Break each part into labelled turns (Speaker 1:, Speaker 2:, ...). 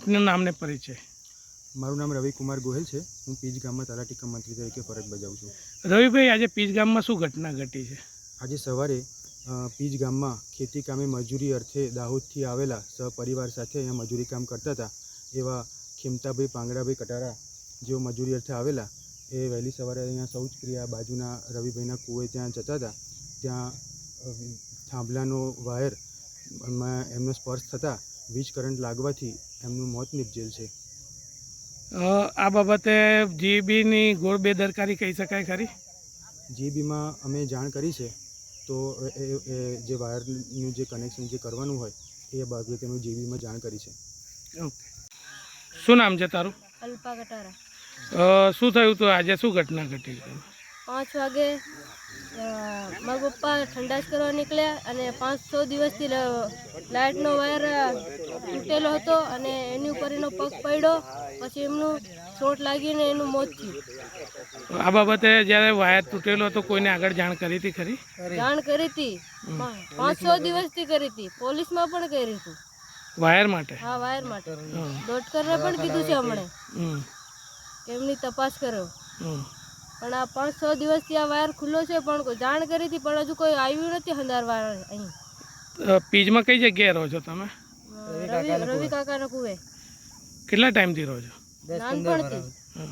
Speaker 1: આપનું નામ ને પરિચય?
Speaker 2: મારું નામ રવિકુમાર ગોહિલ છે। હું પીજ ગામમાં તલાટી કમ મંત્રી તરીકે ફરજ બજાવું છું।
Speaker 1: રવિભાઈ, આજે પીજ ગામમાં શું ઘટના ઘટી છે?
Speaker 2: આજે સવારે પીજ ગામમાં ખેતી કામે મજૂરી અર્થે દાહોદથી આવેલા સહપરિવાર સાથે અહીંયા મજૂરી કામ કરતા હતા એવા ખીમતાભાઈ પાંગડાભાઈ કટારા જેઓ મજૂરી અર્થે આવેલા એ વહેલી સવારે અહીંયા શૌચક્રિયા બાજુના રવિભાઈના કૂવે ત્યાં જતા હતા। ત્યાં થાંભલાનો વાયર એમનો સ્પર્શ થતાં વીજ કરંટ લાગવાથી એમનું મોત નિપજેલ છે।
Speaker 1: આ બાબતે જીબીની ગોળ બેદરકારી કહી શકાય ખરી?
Speaker 2: જીબીમાં અમે જાણ કરી છે તો એ જે વાયરનું જે કનેક્શન જે કરવાનું હોય એ બાબતે અમે જીબીમાં જાણ કરી છે।
Speaker 1: ઓકે, શું નામ છે તારું?
Speaker 3: અલ્પા કટારા।
Speaker 1: શું થયું હતું આજે? શું ઘટના ઘટી?
Speaker 3: 5 વાગે મારા પપ્પા ઠંડાશ કરવા નીકળ્યા અને 5-6 દિવસથી લાઇટનો વાયર તૂટેલો હતો અને એની ઉપર એનો પગ પડ્યો, પછી એમનું ચોટ લાગીને એનું મોત થયું।
Speaker 1: આ બાબતે જ્યારે વાયર તૂટેલો હતો કોઈને આગળ જાણ કરી હતી ખરી?
Speaker 3: જાણ કરી હતી, 5-6 દિવસથી કરી હતી, પોલીસમાં પણ કરી હતી।
Speaker 1: વાયર માટે?
Speaker 3: હા, વાયર માટે ડોક્ટરને પણ કીધું છે હમણાં કે એમની તપાસ કરો, પણ આ 5-6 દિવસથી આ વાયર ખુલ્લો છે પણ જાણ કરી હતી પણ હજુ કોઈ આવ્યું નથી હંધારવા અહીં।
Speaker 1: પીજમાં કઈ જગ્યાએ રહો છો તમે?
Speaker 3: રવિ કાકાના કુવે।
Speaker 1: કેટલા ટાઈમથી રહો છો?
Speaker 3: નાનપણથી।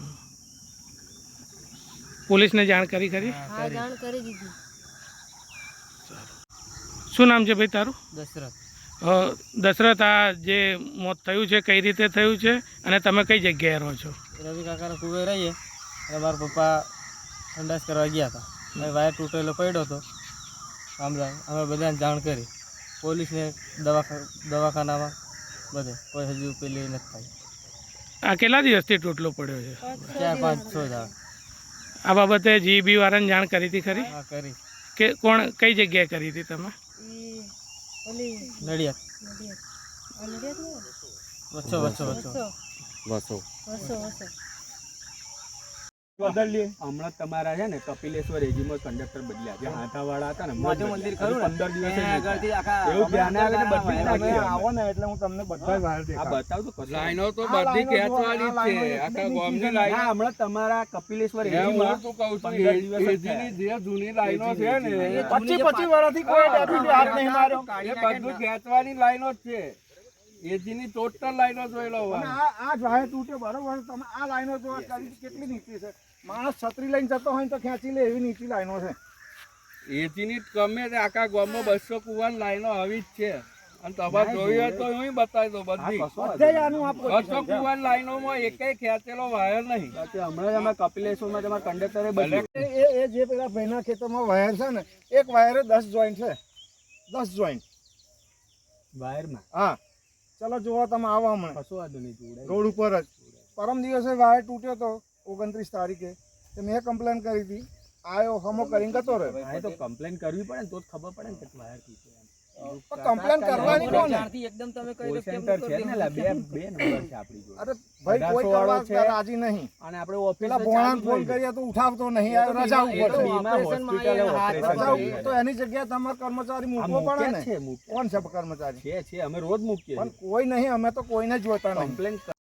Speaker 1: પોલીસને જાણ કરી ખરી?
Speaker 3: હા, જાણ કરી દીધી।
Speaker 1: શું નામ છે ભાઈ તારું?
Speaker 4: દશરથ।
Speaker 1: દશરથ, આ જે મોત થયું છે કઈ રીતે થયું છે અને તમે કઈ જગ્યાએ રહો છો?
Speaker 4: રવિ કાકાના કુવે રહીએ અને મારા પપ્પા ઠંડાશ કરવા ગયા હતા, વાયર તૂટેલો પડ્યો હતો થાંભલા। અમે બધાને જાણ કરી, પોલીસને દવાખાનામાં બધે, કોઈ હજુ પેલી નથી થઈ।
Speaker 1: આ કેટલા દિવસથી તૂટલો પડ્યો છે?
Speaker 4: 4-5-6 દાડા।
Speaker 1: આ બાબતે જીબી વાળાને જાણ કરી હતી ખરી?
Speaker 4: હા, કરી।
Speaker 1: કે કોણ કઈ જગ્યાએ કરી હતી તમે?
Speaker 4: નડિયાદ વસો।
Speaker 5: હમણાં તમારા છે ને કપિલેશ્વર એજીમાં કંડક્ટર બદલ્યા જે હાથાવાળા હતા ને મંદિર ખરું 15 દિવસ એવું ધ્યાન આવે ને બદલી નાખી આવો ને એટલે હું તમને બધા વાયર દેખાડું। આ બતાવ તો લાઈનો તો બધી ખેંચવાની છે આખા ગામની લાઈન। હા, હમણાં તમારા કપિલેશ્વર એજીમાં તો કહું છું એજીની જે જૂની લાઈનો છે ને 25 વર્ષથી કોઈ ડેપ્યુટી હાથ નહીં માર્યો, એ બધું ખેંચવાની લાઈનો જ છે। એજીની ટોટલ લાઈનો જોઈ લો। આ વાયર તૂટે બરોબર, તમે આ લાઈનો જો કેટલી નીચી છે, માણસ છત્રી લઈને જતો હોય તો ખેંચી લે એવી નીચી લાઈનો છે। એજીની ગમે તે આખા ગામમાં 200 કુવાની લાઈનો આવી જ છે અને તમારે જોઈ હોય તો હું બતાવી દઉં બધી 200 કુવાની લાઈનોમાં એકેય ખેંચેલો વાયર નહીં। હમણાં અમે કપિલેશ્વરમાં તમારા કંડક્ટરે બદલ્યું એ જે પેલા ભાઈના ખેતરમાં વાયર છે ને, એક વાયરે 10 જોઈન્ટ છે, 10 જોઈન્ટ વાયરમાં। હા, ચલો જોવા તમે આવો હમણાં રોડ ઉપર જ પરમ દિવસે વાયર તૂટ્યો તો 29 તારીખે, તો મેં કમ્પ્લેન કરી હતી, આવ્યો હમો કરીને જતો રહ્યો। તો કમ્પ્લેન કરવી પડે ને તો જ ખબર પડે ને કે વાયર તૂટ્યો। કમ્પ્લેન કરવાની કોને? એકદમ તમે કહી દો સેન્ટર છે ને લા બે નંબર છે આપણી જોડે। અરે ભાઈ, કોઈ કરવા રાજી નહીં અને આપણે ઓફિસમાં ભોણાને ફોન કરીએ તો ઉઠાવતો નહીં, રજા ઉપર છે, ઓપરેશન તો એની જગ્યાએ તમારો કર્મચારી મૂકવો પડે ને। કોણ છે કર્મચારી? છે અમે રોજ મૂકીએ પણ કોઈ નહીં, અમે તો કોઈને જોતા નહીં। કમ્પ્લેન